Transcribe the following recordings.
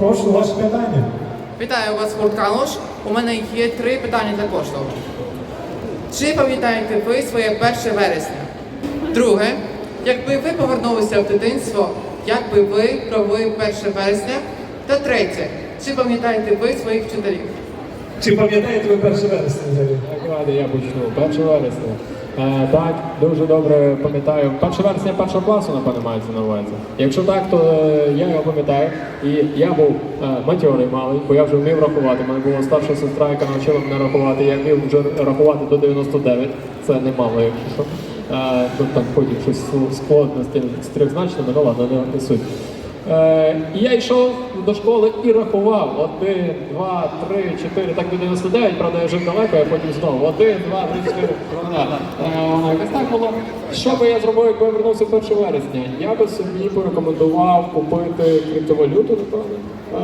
Прошу, ваше питання. Вітаю вас, гурт Калуш. У мене є 3 питання для кожного. Чи пам'ятаєте ви своє 1 вересня? Друге, якби ви повернулися в дитинство, як би ви провели 1 вересня? Та третє, чи пам'ятаєте ви своїх вчителів? Чи пам'ятаєте ви 1 вересня взагалі? Так, ладно, я почну. 1 вересня. Так, дуже добре пам'ятаю. 1 вересня 1 класу, напевно, мається на увазі. Якщо так, то я його пам'ятаю. І я був матьорий малий, бо я вже вмів рахувати. У мене була старша сестра, яка навчила мене рахувати. Я вмів вже рахувати до 99. Це немало, якщо що. Тут там потім щось складності з трьохзначними, ну ладно, не суть. І я йшов до школи і рахував 1, 2, 3, 4, так до 99, правда я жив далеко, я потім знову 1, 2, 3, 4, якось так було. Що би я зробив, якби я вернувся 1 вересня? Я би собі порекомендував купити криптовалюту, напевно.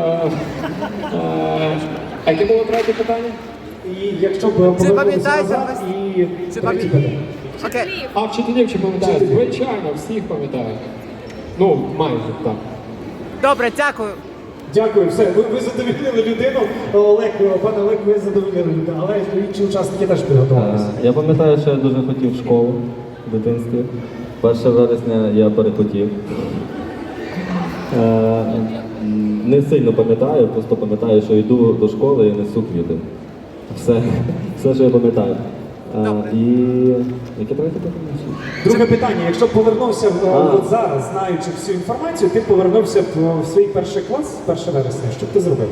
А яке було третє питання? І якщо б повернутися пам'ятаєте назад, ви- і третє питання. Окей. А вчителів чи пам'ятають? Звичайно, всіх пам'ятають. Ну, майже, так. Добре, дякую. Дякую, все, ви задовільнили людину. Олег, пане Олег, ви задовільнили людину, але інші учасники теж підготувалися. Я пам'ятаю, що я дуже хотів в школу в дитинстві. 1 вересня я перехотів. Не сильно пам'ятаю, просто пам'ятаю, що йду до школи і несу квіти. Все, що я пам'ятаю. І яке третє питання? Друге питання, якщо б повернувся от зараз, знаючи всю інформацію, ти повернувся в свій 1 клас 1 вересня, що б ти зробив?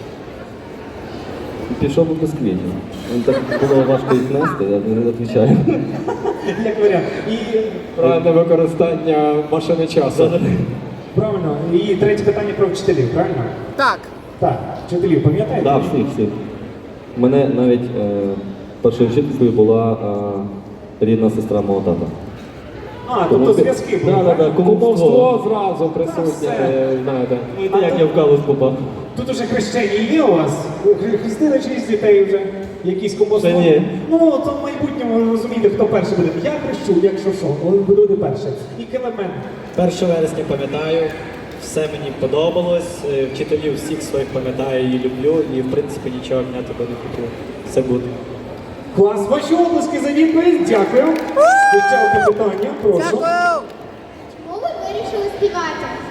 Пішов би без квітів. Так було важко їх нести, я не відповідаю. Як варіант. І Правильне використання машини часу. правильно. І третє питання про вчителів, правильно? Так. Так, вчителів, пам'ятаєте? Так, всіх. У мене навіть першою вчителькою була рідна сестра мого тата. Тобто зв'язки були. так? Кумовство зразу присутнє, все. знаєте. Ну, як я в калус попав. Тут уже хрещення є у вас? Хрестили чиїсь дітей вже? Якісь комусь? Ще ні. Ну, то в майбутньому ви розумієте, хто перший буде. Я хрещу, якщо що, але буде перший. І Келемен. 1 вересня пам'ятаю, все мені подобалось, вчителів всіх своїх пам'ятаю і люблю, і в принципі нічого міняти би не хотів. Все буде. Клас, ваші обласки за відповідь, дякую. І ще одне питання, прошу. Дякую. Чому ви вирішили співати?